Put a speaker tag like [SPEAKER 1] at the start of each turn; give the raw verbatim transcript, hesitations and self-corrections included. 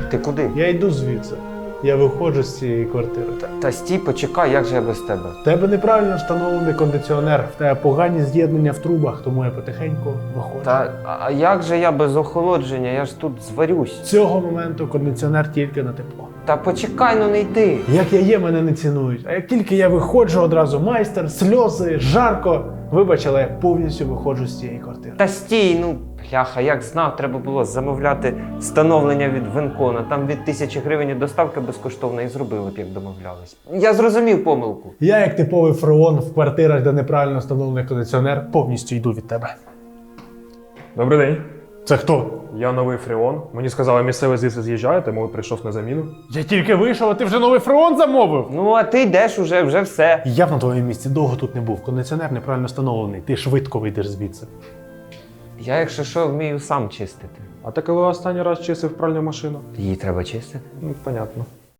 [SPEAKER 1] Ти куди?
[SPEAKER 2] Я йду звідси. Я виходжу з цієї квартири.
[SPEAKER 1] Та, та стій, почекай, як же я без тебе?
[SPEAKER 2] В тебе неправильно встановлений кондиціонер, в тебе погані з'єднання в трубах, тому я потихеньку виходжу.
[SPEAKER 1] Та а як же я без охолодження? Я ж тут зварюсь.
[SPEAKER 2] З цього моменту кондиціонер тільки на тепло.
[SPEAKER 1] Та почекай, ну не йди.
[SPEAKER 2] Як я є, мене не цінують. А як тільки я виходжу, одразу майстер, сльози, жарко. Вибач, але я повністю виходжу з цієї квартири.
[SPEAKER 1] Та стій, ну бляха, як знав, треба було замовляти встановлення від Венкона. Там від тисячі гривень і доставка безкоштовна і зробили б, як домовлялись. Я зрозумів помилку.
[SPEAKER 2] Я, як типовий фреон в квартирах, де неправильно встановлений кондиціонер, повністю йду від тебе.
[SPEAKER 3] Добрий день.
[SPEAKER 2] Це хто?
[SPEAKER 3] Я новий фреон. Мені сказали, місцевий звідси з'їжджає, тому прийшов на заміну.
[SPEAKER 2] Я тільки вийшов, а ти вже новий фреон замовив?
[SPEAKER 1] Ну, а ти йдеш уже, вже все.
[SPEAKER 2] Я б на твоєму місці довго тут не був. Кондиціонер неправильно встановлений. Ти швидко вийдеш звідси.
[SPEAKER 1] Я, якщо що, вмію сам чистити.
[SPEAKER 3] А ти коли останній раз чистив пральну машину?
[SPEAKER 1] Її треба чистити.
[SPEAKER 3] Ну, понятно.